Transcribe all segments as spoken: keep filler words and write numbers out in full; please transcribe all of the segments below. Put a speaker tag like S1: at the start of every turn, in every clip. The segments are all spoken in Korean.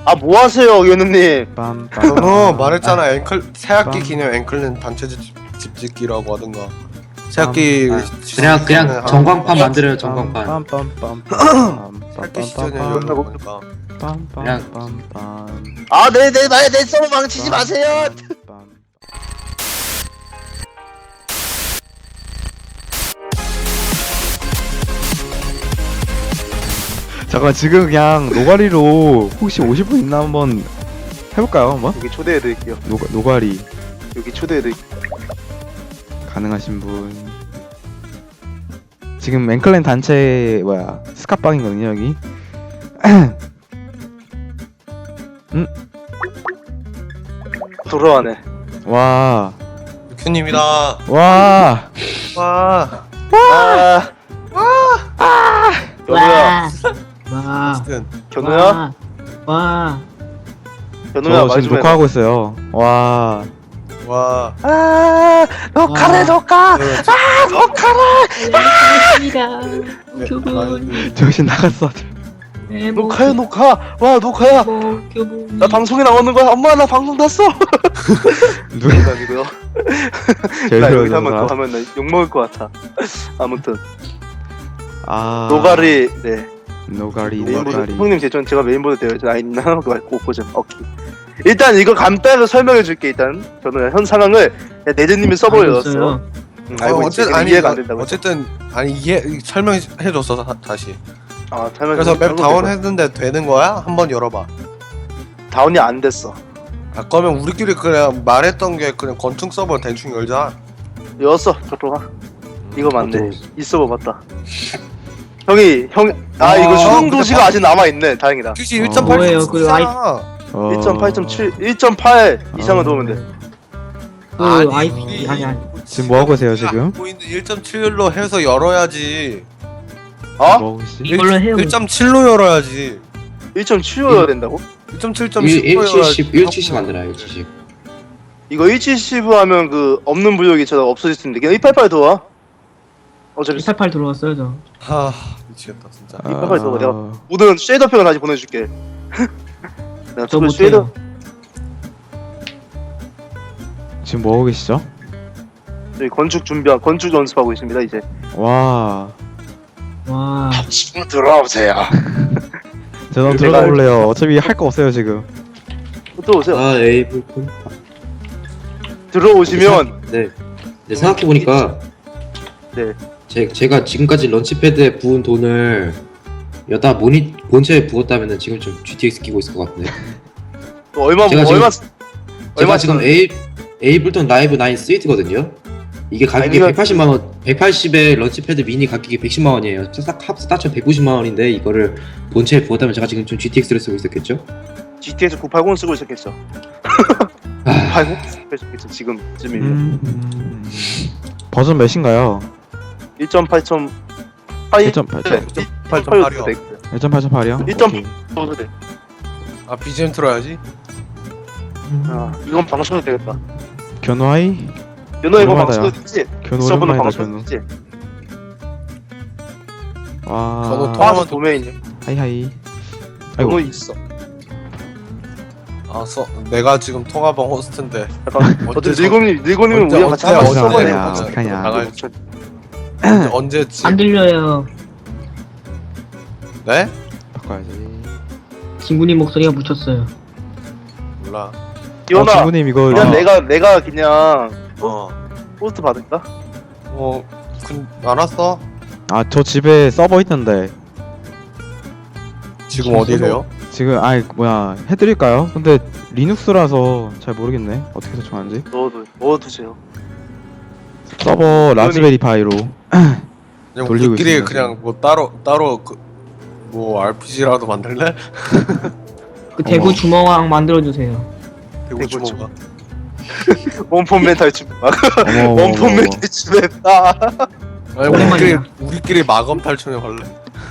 S1: 아 뭐하세요 연우님.
S2: 어 말했잖아. 앵클 새학기 기념 앵클랜 단체 집, 집 짓기라고 하든가. 새학기
S3: 그냥 그냥 전광판 만들어요. 전광판.
S2: 새학기 시즌에 연락 오니까.
S1: 아 네네 내, 내 서버 망치지 마세요.
S4: 잠깐 지금 그냥 노가리로 혹시 오실 분 있나 한번 해볼까요 한번?
S1: 여기 초대해드릴게요.
S4: 노가, 노가리
S1: 여기 초대해드릴게요.
S4: 가능하신 분 지금 앵클랜 단체 뭐야 스카빵이거든요 여기. 음?
S1: 돌아와네.
S4: 와.
S2: 유큐님이다.
S4: 와.
S2: 와.
S1: 와. 와. 견우야.
S5: 와.
S2: 어쨌든
S1: 견우야.
S5: 와.
S1: 견우야
S4: 저
S1: 말
S4: 지금
S1: 좀 해.
S4: 녹화하고 있어요. 와.
S2: 와.
S1: 아 녹화래 녹화.
S2: 아
S5: 입니다. 교분.
S4: 정신 나갔어.
S1: 녹화야 녹화. 와 녹화야.
S5: 교분.
S1: 나 방송에 나오는 거야. 엄마 나 방송 탔어.
S4: 누가
S1: 농담이고요.
S4: 제일
S1: 나 여기
S4: 싫어하는
S1: 한번 더
S4: 사람?
S1: 하면 나 욕먹을 것 같아. 아무튼
S4: 아.
S1: 노가리 네
S4: 노가리
S1: 메인보드
S4: 노가리.
S1: 형님 제전 제가 메인보드 되어 있잖아. 있나 하고 보자. 오케이. 일단 이거 간단하게 설명해 줄게. 일단 저는 현 상황을 네드님이 서버에 넣었어요. 응, 알고
S2: 어,
S1: 있지.
S2: 어쨌든 아니
S1: 이해가 안
S2: 이거-
S1: 된다고.
S2: 어쨌든 아니 이해 설명해 줬어 다, 다시.
S1: 아, 설명.
S2: 그래서 맵
S1: 설명
S2: 다운
S1: 되고.
S2: 했는데 되는 거야? 한번 열어봐.
S1: 다운이 안 됐어.
S2: 아 그러면 우리끼리 그냥 말했던 게 그냥 건축 서버 대충 열자.
S1: 열었어. 저쪽 와. 이거 맞네. 이 서버 맞다. 형이 형. 아 이거
S2: 어,
S1: 수능
S2: 근데
S1: 도시가
S2: 바-
S1: 아직 남아 있네. 다행이다.
S2: 혹시
S4: 어.
S2: 일 점 팔
S5: 뭐예요, 그 아이-
S4: 어...
S1: 일 점 팔 점 칠, 일 점 팔 이상을 넣으면 돼.
S5: 그 아이피 아니 아니.
S4: 지금 뭐 하고 계세요, 지금?
S2: 보이는데 일 점 칠로 해서 열어야지.
S1: 어?
S4: 뭐 혹시?
S5: 이걸로 해요.
S2: 일 점 칠로 열어야지.
S1: 일 점 칠여야 된다고?
S2: 일 점 칠 점
S3: 일
S2: 십로
S3: 칠십 일 칠십 만들어요. 일 칠십.
S1: 이거 일 칠십 하면 그 없는 부족이처럼 없어질 수 있는데 그냥 일팔팔 더 와. 어차피
S5: 이팔팔 들어왔어요 저.
S2: 하 미치겠다 진짜.
S4: 아...
S1: 빨리 써봐, 내가. 모든 쉐이더팩을 다시 보내줄게. 내가
S5: 저
S1: 그 쉐이더
S5: 못해요.
S4: 지금 뭐 하고 계시죠?
S1: 저희 건축 준비 건축 연습하고 있습니다 이제.
S4: 와.
S5: 와.
S1: 지금 들어오세요.
S4: 저도
S1: 내가-
S4: 들어가 볼래요. 어차피 할 거 없어요 지금.
S1: 또 오세요.
S3: 아 에이블콘.
S1: 들어오시면
S3: 네. 네 생각해 보니까.
S1: 네.
S3: 제 제가 지금까지 런치패드에 부은 돈을 여다 모니 본체에 부었다면은 지금 좀 지티엑스 끼고 있을 것 같은데.
S1: 또 얼마
S3: 제가
S1: 얼마
S3: 제가
S1: 얼마
S3: 지금 에이 에이블턴 라이브 나인 스위트거든요. 이게 가격이
S1: 아니면-
S3: 백팔십만 원, 백팔십에 런치패드 미니 가격이 백십만 원이에요. 싹 합 따쳐 백구십만 원인데 이거를 본체에 부었다면 제가 지금 좀 지티엑스를 쓰고 있었겠죠?
S1: 지티에스 구백팔십 쓰고 있었겠죠.
S3: 아,
S1: 팔십 쓰고 있었겠죠 지금쯤이면.
S4: 음... 음... 버전 몇인가요?
S1: 일 점 팔 점 팔.
S4: 일 점 팔 점
S2: 팔 점 팔이요.
S4: 일 점 팔 점 팔이요?
S1: 일 점 넣어도 돼.
S2: 아 비지엠 틀어야지.
S1: 아 이건 방송도 되겠다.
S4: 견우 하이?
S1: 연호 이거
S4: 오랜만이다,
S1: 방송도 되지?
S4: 견우
S1: 서버는
S4: 오랜만이다
S1: 방송도
S4: 견우.
S1: 되지?
S4: 와.
S2: 견우
S1: 통화만
S2: 통화만
S1: 도메인이야.
S4: 하이하이. 아이고.
S1: 연호 있어.
S2: 아 써, 내가 지금 통화방 호스트인데.
S1: 약간
S2: 언제
S1: 어때
S2: 저-
S1: 닐고님 닐고님은
S2: 언제-
S1: 우리랑 같이
S2: 언제-
S1: 한번
S2: 언제-
S1: 서버에
S4: 야,
S2: 언제-
S4: 어떡하냐.
S2: 나갈 언제- 언제지?
S5: 안 들려요.
S2: 네?
S4: 바꿔야지.
S5: 진구님 목소리가 묻혔어요.
S2: 몰라.
S4: 어,
S1: 연아
S4: 친구님 이거
S1: 그냥
S4: 어,
S1: 내가 내가 그냥
S2: 어.
S1: 포스트 받을까?
S2: 어. 그 알았어.
S4: 아, 저 집에 서버 있는데
S2: 지금 어디세요?
S4: 지금 아이 뭐야 해드릴까요? 근데 리눅스라서 잘 모르겠네 어떻게 설정하는지.
S1: 넣어도 넣어두세요.
S4: 서버 라즈베리 파이로.
S2: 그냥
S4: 돌리고
S2: 우리끼리
S4: 있습니다,
S2: 그냥 뭐 따로 따로 그 뭐 알피지라도 만들래?
S5: 그 대구
S4: 어머.
S5: 주먹왕 만들어 주세요.
S2: 대구
S1: 대구
S2: 주먹아.
S1: 원폰 멘탈 춤.
S4: 어머, 어머,
S1: 원폰
S4: 어머,
S1: 멘탈 춤했다.
S2: 아니
S5: 오랜만이야.
S2: 우리끼리 우리끼리 마검 탈출해 갈래?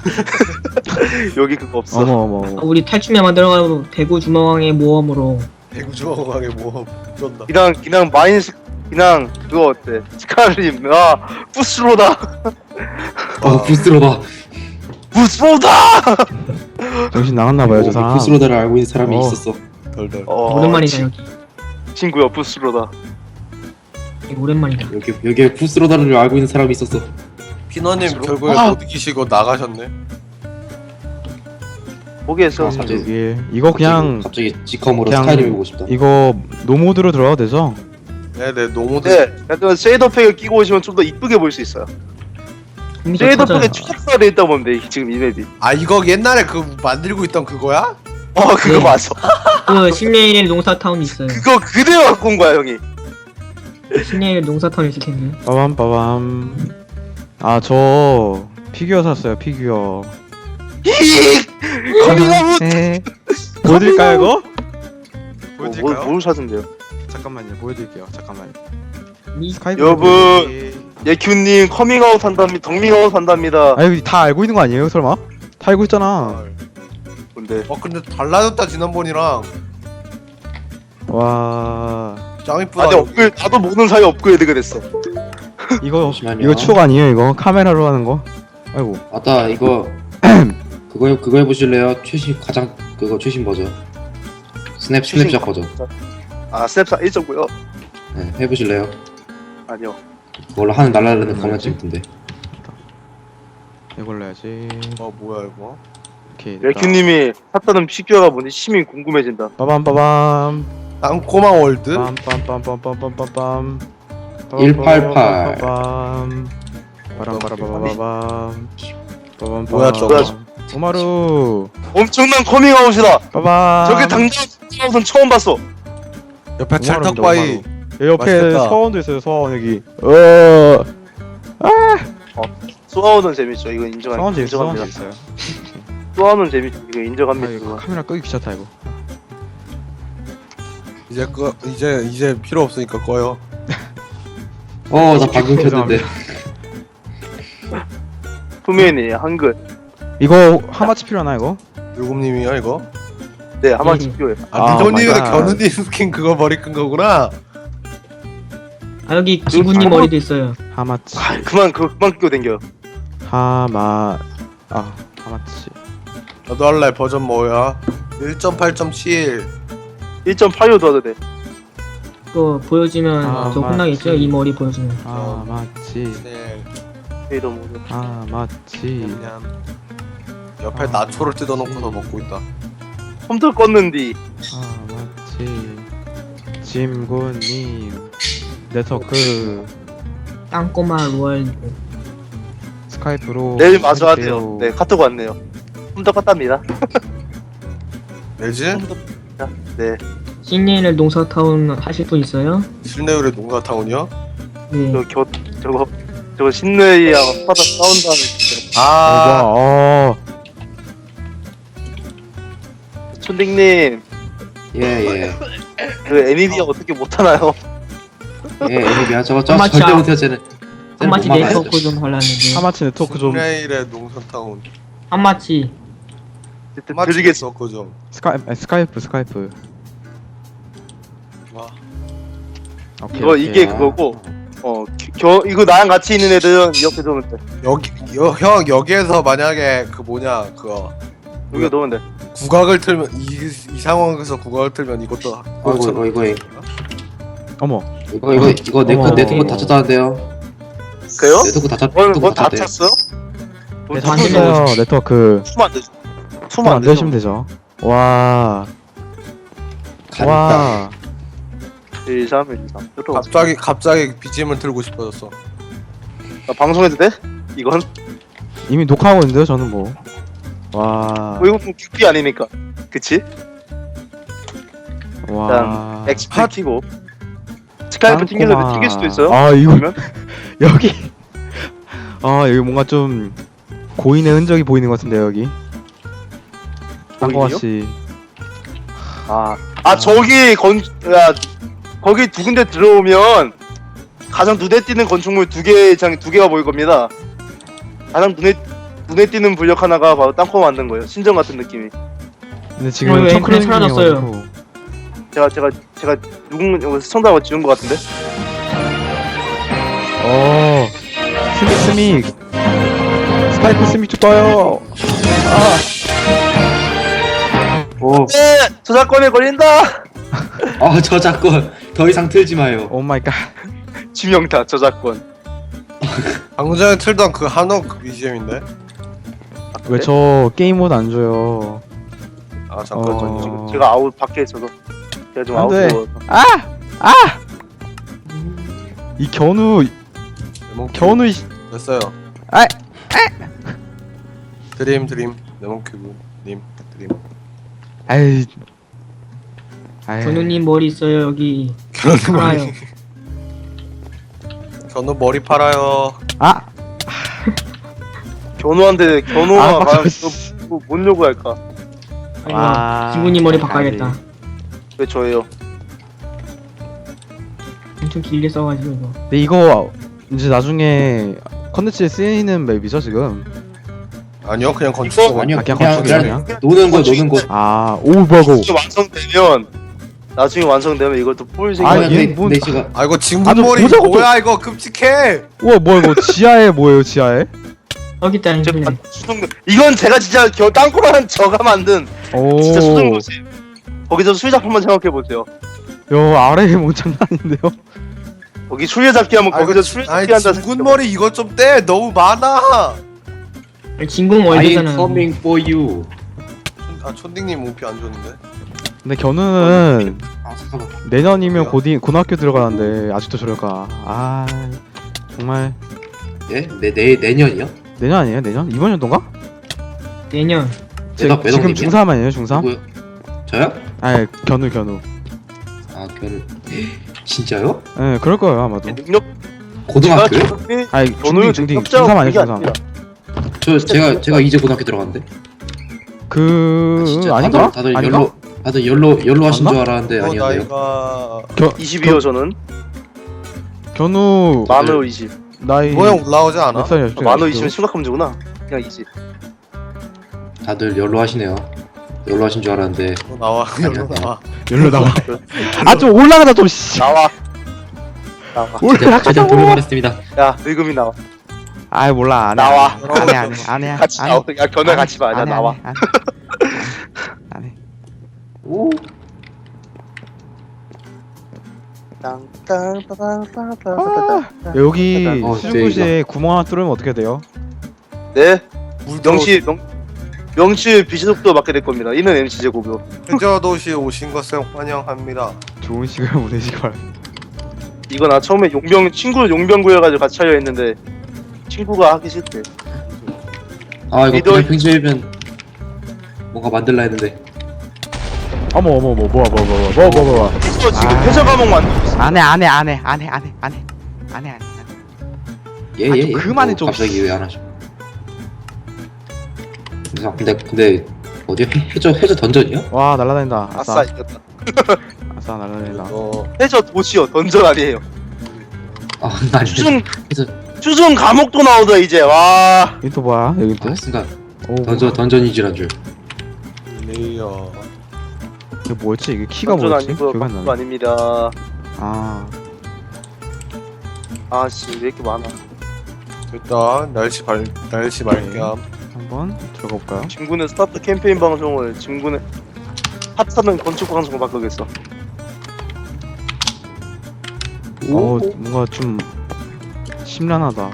S1: 여기 그거 없어.
S4: 어머 어머
S5: 아,
S4: 어머.
S5: 우리 탈춤에 만들어가지고 대구 주먹왕의 모험으로.
S2: 대구 주먹왕에 뭐 쩐다.
S1: 그냥 그냥 마인스 그냥 그거 어때? 스카림 아 부스로다.
S3: 어 부스러다.
S1: 부스로다.
S4: 정신 나갔나봐요 저 사람.
S3: 부스로다를 알고 있는 사람이
S4: 어.
S3: 있었어.
S2: 덜덜.
S1: 어,
S5: 오랜만이다
S1: 치-
S5: 여기.
S1: 친구야 부스로다.
S5: 이거 오랜만이다.
S3: 여기 여기에 부스로다를 알고 있는 사람이 있었어.
S2: 피너님
S1: 부스로-
S2: 결국에
S1: 아!
S2: 못 이기시고 나가셨네.
S1: 포기했어.
S3: 갑자기-
S4: 여기 이거 그냥
S3: 갑자기 지컴으로
S4: 그냥-
S3: 스카이림 보고 싶다.
S4: 이거 노모드로 들어가도 되죠?
S2: 네네 노모드.
S1: 네, 약간 쉐이더팩을 끼고 오시면 좀 더 이쁘게 보일 수 있어요.
S5: 이미 저 터져요.
S1: 쉐이더팩에 추적사가 돼 있다 보면 지금 이 맵이.
S2: 아 이거 옛날에 그 만들고 있던 그거야?
S1: 어 그거
S5: 네.
S1: 맞아.
S5: 그 신내일 농사타운 있어요.
S1: 그거 그대로 갖고 온 거야 형이.
S5: 신내일 농사타운 있을 텐데.
S4: 빠밤 빠밤. 아 저 피규어 샀어요 피규어.
S1: 히익. 커밍아웃.
S4: 네. 보여드릴까요 이거?
S1: 뭐,
S2: 보여드릴까요?
S1: 뭘 사준대요?
S4: 잠깐만요 보여드릴게요 잠깐만.
S5: 이
S4: 스카이프
S1: 여러분.
S4: 보여드릴게요.
S1: 예큐님 커밍아웃 한답니다. 덕밍아웃 한답니다.
S4: 아 이거 다 알고 있는 거 아니에요 설마? 다 알고 있잖아.
S1: 뭔데?
S2: 어 근데 달라졌다 지난번이랑.
S4: 와
S2: 짱 이쁘다.
S1: 아, 근데 업글 나도 모르는 사이 업그레이드가 됐어.
S4: 이거
S3: 잠시만요.
S4: 이거 추억 아니에요 이거 카메라로 하는 거? 아이고
S3: 아따 이거 그거 그거 해보실래요? 최신 가장 그거 최신 버전. 스냅
S1: 최신
S3: 스냅샷 버전.
S1: 아 스냅사 일 점 구요?
S3: 네, 해보실래요?
S1: 아니요.
S3: 그걸로 하늘 날라르는
S4: 음,
S3: 겁나
S4: 뭐지?
S3: 재밌던데.
S4: 이걸로 해야지.
S2: 어 뭐야 이거?
S4: 오케이.
S1: 예큐님이 샀다는 피규어가 뭔지 심히 궁금해진다.
S4: 빠밤 빠밤.
S2: 땅꼬마 월드?
S4: 빰빰빰빰빰빰빰빰.
S3: 일팔팔.
S4: 빠밤. 빠람빠라바바밤. 빠밤.
S2: 뭐야,
S1: 저거?
S4: 오마루.
S1: 엄청난 커밍아웃이다.
S4: 빠밤.
S1: 저게 당장 커밍아웃은 처음 봤어.
S2: 옆에 찰떡바위.
S4: 여기 옆에
S2: 맛있겠다.
S4: 서원도 있어요 서원 여기. 어.
S1: 소아웃은 재밌죠. 이거 인정합니다.
S4: 서원 재밌어 서원
S1: 인정합니다.
S4: 재밌어요.
S1: 소아웃은 재밌죠. 이거
S4: 아
S1: 인정합니다.
S4: 이거
S1: 이거.
S4: 카메라 끄기 귀찮다 이거.
S2: 이제 끄 이제 이제 필요 없으니까 꺼요.
S3: 어 나 방금 켰는데.
S1: 투메니 한글.
S4: 이거 하마치 필요하나 이거?
S2: 유금님이요 이거?
S1: 네 한번
S5: 네.
S1: 필요해.
S2: 아,
S4: 아,
S2: 미도님은
S4: 맞아.
S2: 견우님 스킨 그거 버리끈 거구나.
S5: 아 여기 기분님
S1: 잘못-
S5: 머리도 있어요.
S4: 하마치.
S1: 아 그만 그 그만 끼고 댕겨.
S4: 하마. 아 하마치.
S2: 너도 할래 버전 뭐야? 일 점 팔 점 칠.
S1: 일 점 팔로 더 돼.
S5: 그거 보여주면
S4: 아,
S5: 저 혼나겠죠?
S4: 맞지.
S5: 이 머리 보여주면.
S4: 하마치.
S2: 네.
S1: 쉐이더 모드.
S4: 하마치.
S2: 그냥 옆에 나초를 뜯어놓고서 먹고 있다.
S1: 컴퓨터 껐는디.
S4: 하마치. 짐군님. 네트워크.
S5: 땅꼬마 루얼.
S4: 스카이프로.
S1: 내일 마저 하세요.
S4: 해주세요.
S1: 네 카톡 왔네요. 컴퓨터 껐답니다.
S2: 내지?
S1: 네.
S5: 신내일 농사타운 하실 분 있어요?
S2: 실내율의 농사타운이요?
S5: 네.
S1: 저 겨, 저거 저거 신뢰이랑 파다 싸운다는 진짜.
S2: 아,
S4: 어.
S1: 촌딩님
S3: 예예.
S1: 그 애니디아 어떻게 못하나요?
S3: 예, 애니비야 저거 저
S5: 한마치
S3: 절대
S5: 아-
S3: 못해요 쟤는. 쟤는
S5: 한마치
S3: 못 막아요.
S5: 네트워크 좀 하려는데.
S4: 하마치 네트워크 좀.
S2: 실내율의 농사타운.
S5: 한마치.
S1: 드리겠어.
S2: 그 좀.
S4: 스카이 아, 스카이프 스카이프.
S2: 와.
S4: 오케이,
S1: 이거
S4: 오케이.
S1: 이게 그거고 어 겨, 이거 나랑 같이 있는 애들은 이렇게 넣으면 돼.
S2: 여기 여, 형 여기에서 만약에 그 뭐냐 그거
S1: 여기 넣으면 돼.
S2: 국악을 틀면 이, 이 상황에서 국악을 틀면 이것도
S3: 어, 이거 이거 이거
S4: 어머.
S3: 이거 이거 이거 네트
S4: 어머.
S3: 네트워크 닫혔다는데요.
S1: 그래요?
S3: 네트워크 닫혔
S1: 뭘,
S3: 네트워크
S1: 뭘다
S3: 닫혔대요.
S1: 찼어요?
S5: 네,
S1: 다
S5: 안 되죠.
S4: 됐어요 네트워크.
S1: 투면 안 되죠. 투면
S4: 투면
S1: 안
S4: 안
S1: 되죠.
S4: 되시면 되죠. 와.
S3: 간다.
S4: 와.
S1: 일, 삼, 일, 삼.
S2: 갑자기 갑자기 비지엠을 틀고 싶어졌어.
S1: 나 방송해도 돼? 이건?
S4: 이미 녹화하고 있는데요 저는 뭐. 와.
S1: 뭐 이건 뭐 큐피 아니니까. 그치?
S4: 와.
S1: 엑스피 키고 스카이프 튕겨서
S4: 땅콩아.
S1: 튕길 수도 있어요?
S4: 아 이거
S1: 그러면?
S4: 여기. 아 여기 뭔가 좀 고인의 흔적이 보이는 것 같은데 여기. 땅콩아 씨.
S1: 아, 아 저기 건, 야, 거기 두 군데 들어오면 가장 눈에 띄는 건축물 두 개 이상 두 개가 보일 겁니다. 가장 눈에 눈에 띄는 분력 하나가 바로 땅콩 만든 거예요. 신전 같은 느낌이.
S4: 근데
S5: 어,
S4: 지금
S5: 왜
S4: 청크로님이
S5: 사라졌어요?
S4: 와가지고.
S1: 제가 제가 제가 누군 시청자가 지은 것 같은데.
S4: 어. 스믹 스믹. 스카이프 스믹 좀 떠요.
S3: 오,
S1: 네, 저작권에 걸린다.
S3: 아 저작권 더 이상 틀지 마요.
S4: 오 마이 갓.
S1: 지명타 저작권.
S2: 방금 전에 틀던 그 한옥 그 비지엠인데?
S4: 왜 저 게임 모드 안 줘요?
S2: 아 잠깐만요.
S4: 어.
S1: 지금 제가 아웃 밖에 있어서 제가 좀
S4: 안
S1: 아웃.
S4: 돼. 아! 아! 이 견우
S2: 레몬
S4: 견우 이
S2: 됐어요.
S4: 아!
S2: 드림 드림 레몬큐브 님 드림.
S4: 아이. 아이.
S5: 견우님 머리 있어요 여기.
S2: 견우
S5: 팔아요.
S2: 머리. 견우 머리 팔아요.
S4: 아!
S1: 견우한테
S4: 아,
S1: 견우가
S4: 맞아.
S1: 뭐, 뭔 요구할까?
S4: 와.
S5: 아이고 진구님 머리 바꿔야겠다.
S1: 왜 저예요?
S5: 엄청 길게 써가지고 이거.
S4: 근데 이거 이제 나중에 컨텐츠에 쓰이는 맵이죠 지금?
S2: 아니요 그냥 건축
S1: 이거-
S2: 서버.
S3: 아니요
S4: 아, 그냥
S3: 그냥
S4: 건축이야,
S3: 그냥 노는 거 노는 거.
S4: 아, 오 뭐고?
S1: 나중에 완성되면 나중에 완성되면 이걸 또 뿔
S4: 아,
S1: 생각.
S4: 얘
S3: 근데,
S4: 뭔-
S3: 근데 제가
S2: 아 이거
S4: 아,
S2: 진군
S4: 좀
S2: 머리
S4: 보자고
S2: 뭐야 이거 끔찍해.
S4: 우와 뭐야 이거 지하에 뭐예요 지하에?
S5: 여기 있다
S1: 제
S5: 인플레.
S1: 수중 이건 제가 진짜 겨 땅굴한 저가 만든
S4: 오.
S1: 진짜 수중도시. 거기서 술잡 한번 생각해 보세요.
S4: 요 아래에 뭐 장난인데요?
S1: 거기 술래잡기 하면
S2: 아 이거
S1: 거기서
S2: 진-
S1: 술래잡기
S2: 아니
S1: 한다.
S2: 진군 머리 이거 좀 떼. 너무 많아.
S5: 진궁
S3: I'm
S5: 월드잖아.
S3: coming for you.
S2: 아 촌딩님 오피 안 줬는데.
S4: 근데 견우는
S3: 아 잠깐만.
S4: 내년이면
S2: 왜요?
S4: 고딩 고등학교 들어가는데 아직도 저럴까? 아 정말
S3: 예? 내, 내 내년이요?
S4: 내년 아니에요? 내년? 이번 연도인가?
S5: 내년.
S3: 매덕
S4: 지금
S3: 매덕님이요?
S4: 중삼 아니에요? 중삼?
S3: 누구요? 저요?
S4: 아니 견우 견우.
S3: 아 결 진짜요?
S4: 예, 네, 그럴 거예요 아마도.
S1: 능력
S3: 고등학교요?
S1: 제가
S4: 아니
S1: 견우는
S4: 중딩 중딩
S1: 능력자가
S4: 중삼 아니에요
S1: 그게
S4: 중삼.
S1: 아닙니다.
S3: 저 제가 제가 이제 고등학교 들어갔는데.
S4: 그
S3: 아, 진짜
S4: 아닌가?
S3: 다들, 다들
S4: 아닌가?
S3: 연로 다들 연로 연로 하신
S4: 맞나?
S3: 줄 알았는데
S2: 어
S3: 아니었네요.
S2: 나이가
S4: 겨,
S1: 이십이요 저는
S4: 견우
S1: 만호 이십.
S4: 나이
S2: 모양 올라오지 않아?
S4: 몇 살이야?
S1: 아, 만호 이십은 심각한 문제구나. 그냥 이십.
S3: 다들 연로 하시네요. 연로 하신 줄 알았는데.
S2: 어, 나와 여기로 나와.
S4: 열로 나와. 아 좀 올라가자 좀 씨.
S1: 나와. 나와.
S3: 제가
S4: 올라가자.
S3: 제가 돌려보냈습니다.
S1: 야 늙음이 나와.
S4: 아 몰라 안해.
S1: 나와.
S4: 안해 안해 안해.
S1: 같이 나와. 야 견우 같이 봐. 야 나와.
S4: 안해.
S3: 오.
S1: 땅땅땅땅땅땅땅.
S4: 여기
S3: 어,
S4: 수중구시에 구멍 하나 뚫으면 어떻게 돼요?
S1: 네.
S2: 물
S1: 명치 명 명치 비시속도 맡게 될 겁니다. 이는 엠씨 제고요.
S2: 해저 도시에 오신 것을 환영합니다.
S4: 좋은 시간 보내시기 바랍니다.
S1: 이거 나 처음에 용병 친구 용병 구해가지고 같이 하려 했는데 친구가 하기 싫대.
S3: 아 이거
S1: 리더-
S3: 그냥 평소에면 뭔가 만들라 했는데.
S4: 어머 어머 어머 뭐야 뭐야 뭐야 뭐야 뭐야 뭐야.
S1: 이거 지금
S4: 아.
S1: 회사 과목 만들고 있어.
S4: 안해 안해 안해 안해 안해 안해 안해 안해.
S3: 예예
S4: 아,
S3: 예.
S4: 좀 그만해,
S3: 어,
S4: 좀.
S3: 갑자기 왜 안 하죠? 그래서 근데 근데 어디 해저 해저 던전이요?
S4: 와 날라다닌다.
S1: 아싸
S4: 아싸
S1: 이겼다.
S4: 아싸 날라다닌다.
S2: 어
S1: 해저 도시요 던전 아니에요.
S3: 아 아니.
S1: 추중
S3: 해저
S1: 추중 감옥도 나오다 이제 와.
S4: 여기 또 뭐야? 여기 또.
S3: 아 순간
S4: 오
S3: 던전 던전이지란 줄.
S2: 레이어.
S4: 이게 뭐였지? 이게 키가
S1: 던전
S4: 뭐였지?
S1: 아니고요.
S4: 기억이 안
S1: 감옥도
S4: 나네.
S1: 아닙니다.
S4: 아
S1: 아씨 왜 이렇게 많아.
S2: 일단 날씨 발 날씨 말겸.
S4: 한번 들어가 볼까요?
S1: 진군의 스타트 캠페인 방송을 진군의 핫하는 건축 방송으로 바꾸겠어.
S4: 어 뭔가 좀 심란하다.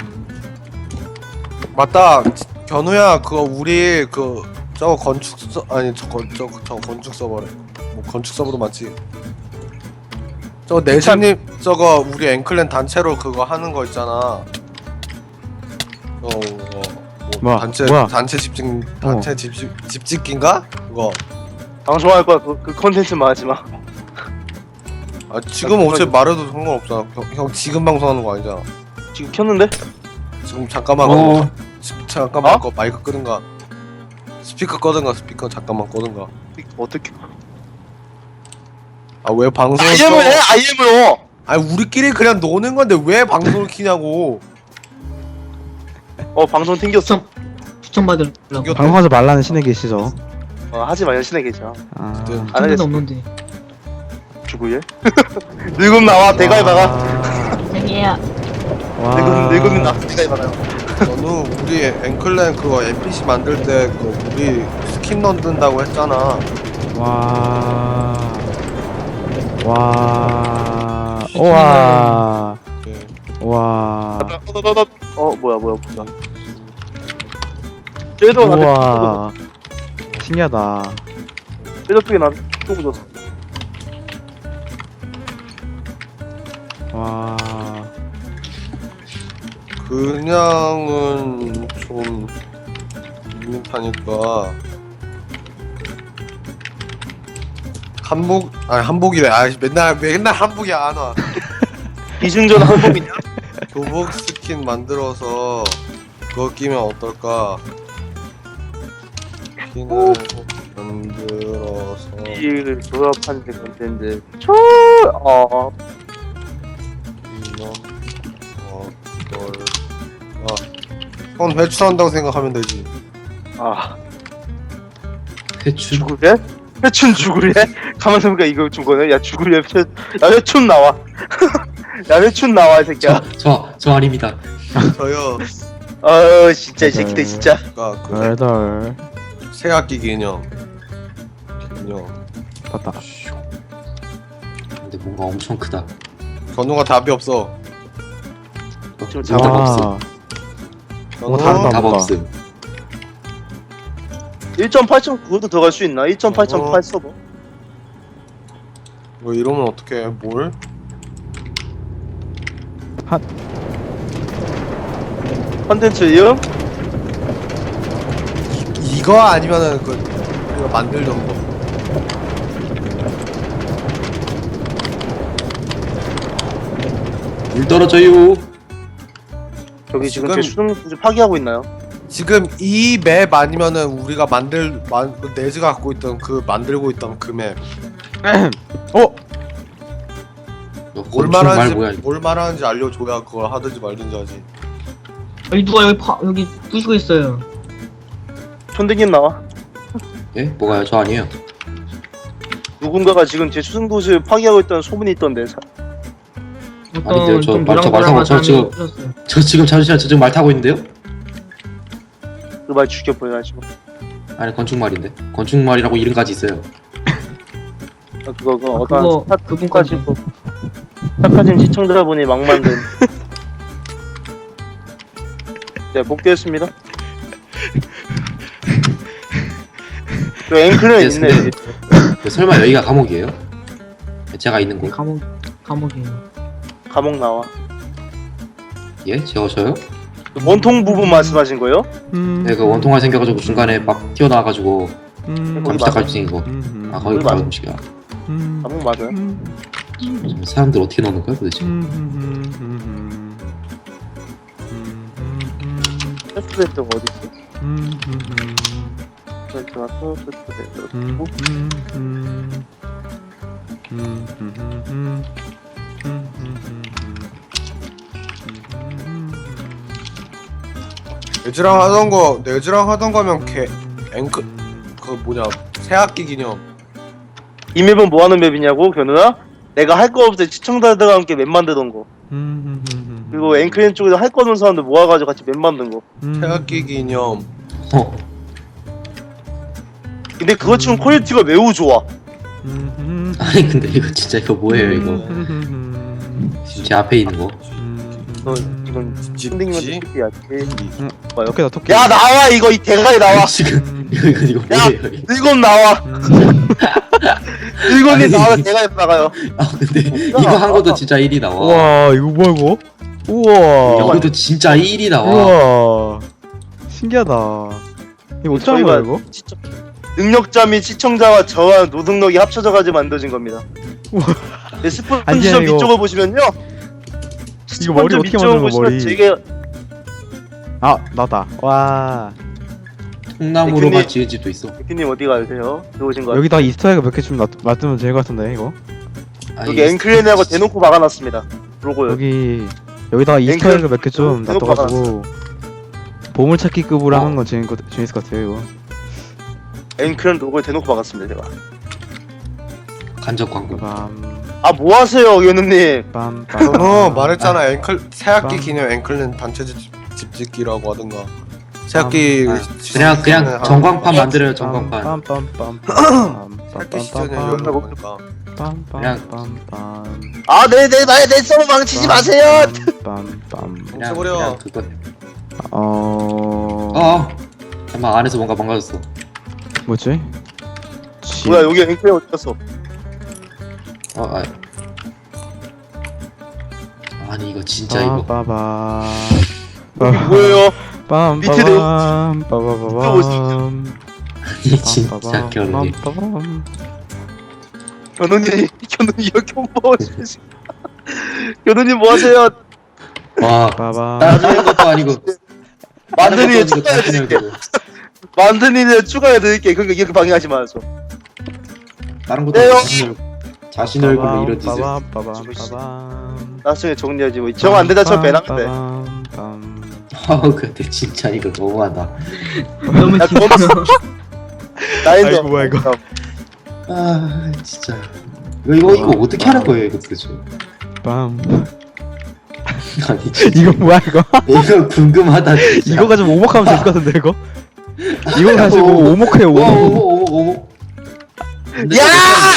S2: 맞다. 견우야 그거 우리 그 저거 건축 서 아니 저거 저거 저 건축 서버래. 뭐 건축 서버도 맞지. 저거 내신님 저거 우리 앵클랜 단체로 그거 하는 거 있잖아. 어, 어, 뭐
S4: 뭐야,
S2: 단체
S4: 뭐야?
S2: 단체 집집 단체 집집 집짓기인가? 그거.
S1: 방송할 거야 그, 그 컨텐츠만 하지 마.
S2: 아 지금 어차피 말해도 상관없잖아. 형, 형 지금 방송하는 거 아니잖아.
S1: 지금 켰는데?
S2: 지금 잠깐만
S3: 어.
S2: 거, 지- 잠깐만
S1: 어?
S2: 거 마이크 끄든가 스피커 꺼든가 스피커 잠깐만 꺼든가.
S1: 어떻게?
S2: 아 왜 방송을
S1: 아이엠을 해
S2: 켜?
S1: 아이엠으로.
S2: 아니 우리끼리 그냥 노는 건데 왜 방송을 키냐고.
S1: 어 방송 튕겼어.
S5: 추천 추천받으려고.
S2: 이거-
S4: 방송하지 말라는 신에 계시죠?
S1: 어 하지 마 연신에 계셔.
S4: 아
S2: 그때-
S1: 안
S5: 추천도
S1: 하겠어.
S5: 없는데.
S1: 누구예? 늙음 나와 대가리 박아.
S4: 와.
S5: 생이야.
S4: 와.
S1: 늙음 늙음 나 대가리 박아요.
S2: 너는 우리 앵클랜 그거 엔피씨 만들 때 그 우리 스킨 넣는다고 했잖아.
S4: 와. 와. 우와.
S2: 네.
S4: 와.
S1: 어 뭐야 뭐야 뭐야. 쟤도 나한테
S4: 우와. 신기하다.
S1: 쟤도 쪽에 나한테 쏘고 줬어.
S4: 와.
S2: 그냥은 좀 밋밋하니까 한복 아니 한복이래. 아 맨날 맨날 한복이 안 와.
S1: 이중전 한복이냐?
S2: 교복 스킨 만들어서 그거 끼면 어떨까? 스킨을 만들어서
S1: 이 조합한 게 컨텐츠. 초. 어.
S2: 끼면 어떨까? 형 회춘한다고 생각하면 되지.
S1: 아.
S3: 회춘.
S1: 죽으래? 회춘 죽으래? 가만 생각해 이거 좀 거네. 야 죽으래. 회... 야 회춘 나와. 야 회춘 나와 이 새끼야.
S3: 저, 저 아닙니다.
S2: 저요.
S1: 어 진짜 이 새끼들 진짜.
S2: 그러니까 그
S4: 덜덜.
S2: 새학기 기념. 기념.
S4: 봤다.
S3: 근데 뭔가 엄청 크다.
S2: 건우가 답이 없어.
S1: 좀
S3: 답
S1: 잡아.
S3: 없음.
S2: 건우
S4: 다르다.
S3: 답
S4: 뭔가.
S3: 없음.
S1: 일 점 팔 점 구도 들어갈 수 있나? 일 점 팔 점 팔 서버.
S2: 뭐 이러면 어떻게 해? 뭘?
S1: 컨텐츠 이음?
S2: 이거 아니면은 그 이거 만들던 거.
S3: 물 떨어져요.
S1: 저기 지금
S2: 지금-
S1: 제 수능 굳이 파기하고 있나요?
S2: 지금 이 맵 아니면은 우리가 만들 만 네즈가 갖고 있던 그 만들고 있던 그 맵.
S4: 어?
S3: 너
S2: 뭘
S3: 건축 말
S2: 말하는지
S3: 뭐야?
S2: 뭘 말하는지 알려줘야 그걸 하든지 말든지 하지.
S5: 여기 누가 여기 파 여기 부시고 있어요.
S1: 촌댕님 나와.
S3: 예? 뭐가요? 저 아니에요.
S1: 누군가가 지금 제 수능도시를 파기하고 있다는 소문이 있던데. 사...
S5: 어떤
S3: 아닌데요, 저
S5: 좀
S3: 말- 저
S5: 노랑노랑한
S3: 말하고 저
S5: 사람이
S3: 지금-
S5: 부셨어요.
S3: 저 지금 잠시만 저 지금 말 타고 있는데요?
S1: 그 말 죽여버려가지고.
S3: 아니 건축말인데. 건축말이라고 이름까지 있어요.
S1: 아, 그거 그거
S5: 아,
S1: 어떤
S5: 그거
S1: 스타
S5: 그분까지.
S1: 착하신 시청자분이 막 만든. 네 복귀했습니다. 저 앵클은
S3: 네,
S1: 있네.
S3: 근데- 그 설마 여기가 감옥이에요? 제가 있는 곳?
S5: 감옥 감옥이에요.
S1: 감옥 나와.
S3: 예? 저 저요?
S1: 원통 부분 말씀하신 거예요?
S4: 음.
S3: 네, 그 원통화 생겨가지고 중간에 막 튀어나와가지고
S4: 음.
S1: 거기
S3: 감시자
S1: 맞아.
S3: 갈수 있는 거.
S4: 음.
S3: 아 거기
S1: 거기
S3: 바로
S1: 맞아.
S3: 음식이야.
S4: 음.
S1: 감옥 맞아요.
S4: 음.
S3: 좀 사람들 어떻게 넣는 거야 도대체?
S4: 음. 음. 음. 음.
S1: 패스트레스가 어디 있어?
S4: 음. 음.
S1: 패스트레스 왔어. 패스트레스.
S4: 음. 음. 음. 음. 음. 음. 음.
S2: 네즈랑 하던 거 네즈랑 하던 거면 걔 앵클 그 뭐냐 새학기 기념.
S1: 이 맵은 뭐 하는 맵이냐고 견우야? 내가 할 거 없을 때 시청자들과 함께 맵 만들던 거.
S4: 음.
S1: 그리고 앵클랜 쪽에서 할 거 없는 사람들 모아가지고 같이 맵 만든 거.
S2: 새학기 기념.
S3: 어?
S1: 근데 그거 치곤 퀄리티가 매우 좋아.
S4: 음.
S3: 아니 근데 이거 진짜 이거 뭐예요 이거? 지금 제 앞에 있는 거.
S1: 너 지금
S2: 집
S1: 선생님한테 특기야지. 봐요.
S4: 토끼다 토끼.
S1: 야 나와 이거 이 대가리 나와.
S3: 지금 이거 이거 이거
S1: 야!
S3: 뭐예요? 이거?
S1: 일곱 나와.
S4: 음.
S1: 일곱이
S3: 아니.
S1: 나와 대가리 나가요.
S3: 아 근데 이거 한 것도 진짜 일이 나와.
S4: 우와 이거 뭐야 이거? 우와.
S3: 이것도 진짜 일이 나와.
S4: 우와. 신기하다. 이거 어쩌는 거야 이거?
S1: 시청... 능력자 및 시청자와 저와 노동력이 합쳐져가지고 만들어진 겁니다.
S4: 우와.
S1: 네, 스폰지
S4: 아니,
S1: 좀
S4: 이거-
S1: 밑쪽을 보시면요.
S4: 이거 머리
S1: 스폰지
S4: 어떻게
S1: 밑쪽을
S4: 만드는 거,
S1: 보시면
S4: 머리?
S1: 되게
S4: 아 나다. 와.
S3: 통나무로만
S1: 대표님.
S3: 지은 집도 있어.
S1: 대표님 어디 가세요? 들어오신 거
S4: 여기다 이스터에그 몇 개 좀 놔두면 될 것 같은데 이거.
S3: 아니,
S1: 여기 앵클랜하고 대놓고 막아놨습니다. 로고요.
S4: 여기 여기다가 이스터에그 몇 개 좀
S1: 대놓고
S4: 놔둬가지고 보물찾기급으로
S3: 어.
S4: 하는 건 재밌, 재밌을 것 같아요 이거.
S1: 앵클랜 로고에 대놓고 막았습니다 제가.
S3: 간접 광고.
S4: 빰.
S1: 아 뭐하세요 연우님?
S4: 빰. 빰.
S2: 어 말했잖아 앵클 새학기
S4: 빰.
S2: 기념 앵클랜 단체 집 집짓기라고 하든가. 새학기
S3: 아,
S2: 시-
S3: 그냥
S2: 시즌에
S3: 그냥
S2: 한-
S3: 전광판 만들어요 전광판.
S2: 새학기 시즌에 열리는 거니까.
S4: 빰빰빰빰빰
S1: 아, 내, 내, 내, 내 서버 망치지 마세요!
S4: 빰빰빰
S3: 그냥,
S2: 멈춰버려.
S3: 그냥 그거.
S4: 어...
S3: 어. 잠깐 안에서 뭔가 망가졌어.
S4: 뭐지? 지...
S1: 뭐야, 여기 앵클이 어디 갔어?
S3: 어, 아. 아니 이거 진짜 이거.
S4: 빠바바
S1: 여기 뭐예요? 밑에 내용-
S4: 빰빰빰 빠바바밤
S3: 아니 진짜 결혼이.
S4: 빰빠밤
S1: 견우님, 견우님 여기 뭐 하시지? 견우님 뭐 하세요?
S3: 와.
S4: 빠밤
S3: 따라주는 것도 아니고.
S1: 만드니
S3: 다른 것도 아니고 자신을
S1: 추가해드릴게.
S3: 두고.
S1: 만드니를 추가해드릴게. 그러니까 이렇게 방해하지 마세요.
S3: 다른 것도
S1: 네요.
S3: 아니고 자신을 자신 얼굴로 이런 짓을.
S4: 빠밤 빠밤 빠밤
S1: 나중에 정리하지 뭐. 정 안 되다 저 배낭인데.
S4: 빠밤, 빰.
S3: 아 근데 진짜 이거 너무하다.
S5: 너무
S1: 야,
S5: 진짜.
S1: 나인도.
S4: 아이고, 뭐야, 이거.
S3: 아 진짜. 이거 이거 이거 어떻게 하는 거예요 이거 도대체?
S4: 빰.
S3: 아니 진짜.
S4: 이거 뭐야 이거?
S3: 이거 궁금하다 진짜.
S4: 이거 가지고 오목하면 될 것 같은데 이거? 이거 가지고 오목해요
S3: 와
S4: 오목.
S3: 오목 오목 오목. 근데
S1: 야!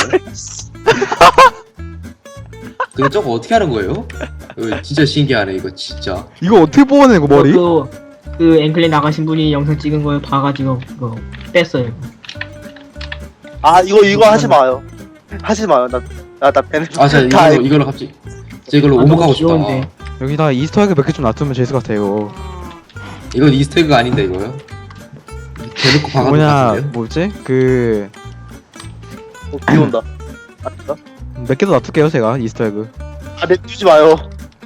S3: 저거 저거 어떻게 하는 거예요? 이거 진짜 신기하네 이거 진짜.
S4: 이거 어떻게 뽑아내 이거 머리?
S5: 그, 그 앵클린 나가신 분이 영상 찍은 걸 봐가지고 그거 뺐어요.
S1: 아, 이거, 이거 하지 마요. 하지 마요. 나, 나, 나 배낭.
S3: 아자
S1: 다
S3: 이걸로 이걸로 갑자기 저 이걸로
S5: 아,
S3: 오목하고
S5: 너무
S3: 싶다.
S5: 귀여운데.
S4: 여기다 이스터에그 몇 개 좀 놔두면 재밌을 것 같아 이거.
S3: 이건 이스터에그가 아닌데 이거요? 대놓고 박아놓은 것
S4: 뭐냐
S3: 같은데요?
S4: 뭐지? 그...
S1: 어, 비 온다. 아닌가?
S4: 몇 개 더 놔둘게요 제가 이스터에그.
S1: 아, 내두지 마요.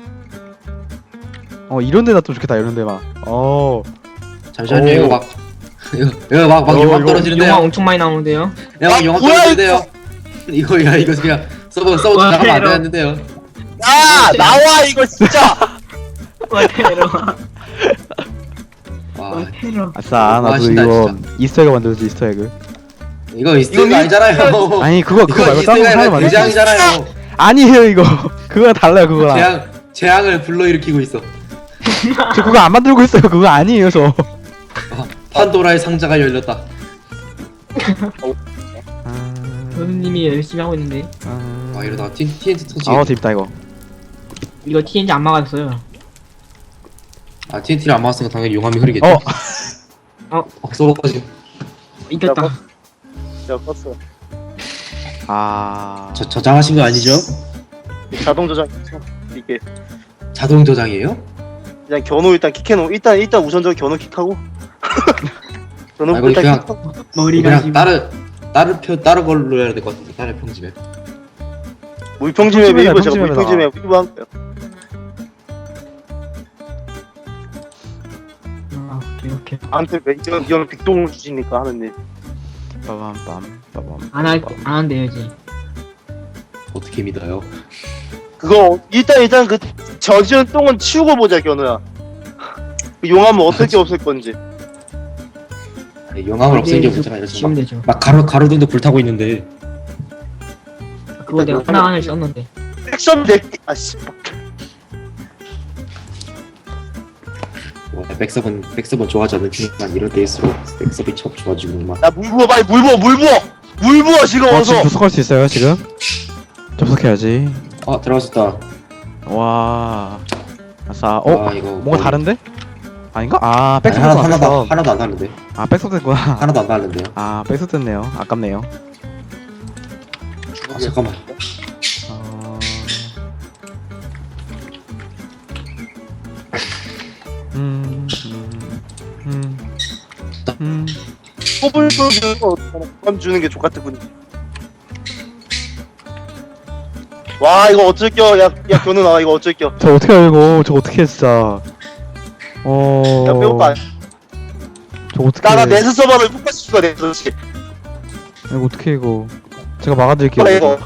S4: 어 이런데 놔두면 좋겠다 이런데 막. 어...
S3: 잠시만요
S4: 오.
S3: 이거 막 이거 이거 막막
S4: 어,
S3: 용암
S4: 이거
S3: 떨어지는데요?
S5: 영화 엄청 많이 나오는데요.
S3: 야, 막
S1: 아,
S3: 용암
S1: 뭐야,
S3: 떨어지는데요? 이거 야 이거 그냥 서버 서버
S5: 와,
S3: 나가면 안
S5: 테러.
S3: 되는데요?
S1: 야! 나와, 이거 진짜!
S5: 와 테러.
S3: 와
S5: 와 테러.
S4: 아싸 나도
S3: 너무하신다,
S4: 이거 이스터에그 만들어지 이스터에그.
S3: 이거 이스터에그
S1: 이거
S3: 아니잖아요.
S4: 아니 그거 그거
S3: 이거
S4: 말고 다른 거 하나
S3: 이스터에그가
S4: 만들지.
S3: 대장이잖아요.
S4: 아니에요 이거. 그거랑 달라요 그거랑.
S3: 재앙 재앙을 불러일으키고 있어.
S4: 저 그거 안 만들고 있어요. 그거 아니에요 저.
S3: 아, 판도라의 상자가 열렸다.
S4: 아...
S5: 교수님이 열심히 하고 있는데
S4: 아...
S3: 와 이러다가 티, 티엔티 터지.
S4: 아 재밌다 이거.
S5: 이거 티엔지 안 막았어요.
S3: 아 티엔티를 안 맞았으니까 당연히 용암이 흐르겠지.
S4: 어.
S3: 어 쏘가지고.
S5: 이겼다.
S1: 야, 껐어.
S4: 아...
S3: 저 저장하신 거 아니죠?
S1: 자동 저장. 이게.
S3: 자동 저장이에요?
S1: 그냥 견우 일단 킥해놓. 일단, 일단 우선적으로 견우 킥하고. 견우
S3: 아, 이거
S1: 일단
S3: 그냥-
S1: 킥하고.
S5: 머리가
S3: 그냥
S5: 지금
S3: 다른 다른 표 다른 걸로 해야 될 것 같은데 다른 평집에.
S1: 물평집에
S4: 평집에다,
S1: 메이버 제가
S4: 평집에다가.
S1: 물평집에 위브한 거예요.
S5: 아 오케이 오케이.
S1: 아무튼 이건, 이건 빅동을 주시니까 하는데.
S4: 빠밤 빰 빠밤.
S5: 안할안 한대요 이제.
S3: 어떻게 믿어요?
S1: 그거 일단 일단 그 저지른 똥은 치우고 보자 견우야. 그 용암은 어떻게 없을 건지.
S3: 아니, 용암을 없애는 게 문제가 아니라
S5: 지면
S3: 막,
S5: 되죠.
S3: 막 가로 가로등도 불타고 있는데.
S5: 그거 내가 하나 하나 썼는데.
S1: 액션 내 아씨.
S3: 와, 백섭은 백섭은 좋아하지 않는 중이지만 이럴 때일수록 백섭이 참 좋아지고 막.
S1: 야 물 부어 빨리 물 부어 물 부어 물 부어 지금
S4: 어
S1: 어서.
S4: 지금 접속할 수 있어요 지금? 접속해야지.
S3: 아 들어갔었다.
S4: 와... 아싸. 어?
S3: 아, 이거
S4: 뭔가
S3: 거의-
S4: 다른데? 아닌가? 아
S3: 아니,
S4: 백스
S3: 하나
S4: 됐구나
S3: 하나도
S4: 백스.
S3: 하나도 안 다른데.
S4: 아 백스 됐구나.
S3: 하나도 안 다른데요.
S4: 아 백스 됐네요. 아깝네요.
S3: 아 잠깐만.
S4: 어... 음... 음... 음... 음...
S1: 뽑을 주는 거 감 주는 게 족같은 분이. 와 이거 어쩔 껴야야 견우 나와 이거 어쩔 껴.
S4: 저 어떻게 알고? 저 어떻게 해 진짜? 어...
S1: 야 배고파.
S4: 저 어떻게?
S1: 나나 내수 서버를 똑같이 추가 내 그렇지.
S4: 이거 어떻게 해, 이거? 제가 막아드릴게요.
S1: 그래 이거.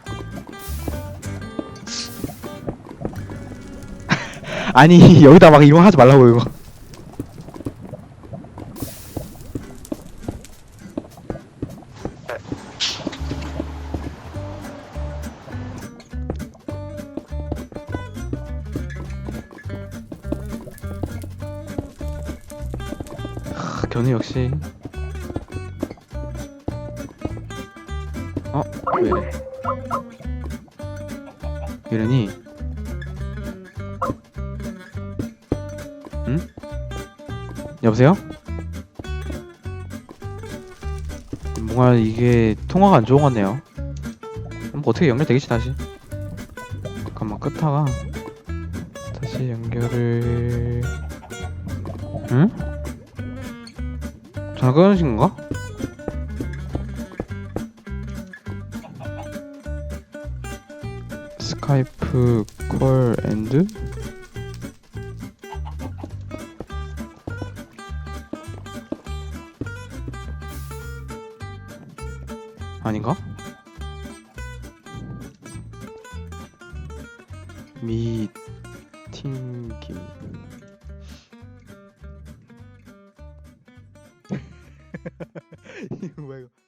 S4: 아니 여기다 막 이거 하지 말라고 이거. 저는 역시 어? 왜 이래 이러니 응? 여보세요? 뭔가 이게 통화가 안 좋은 것 같네요. 뭐 어떻게 연결되겠지 다시. 잠깐만 끄다가 다시 연결을 응? 전화 끊으신 건가? 스카이프 콜 앤드 아닌가? 미팅김 이거 뭐야 이거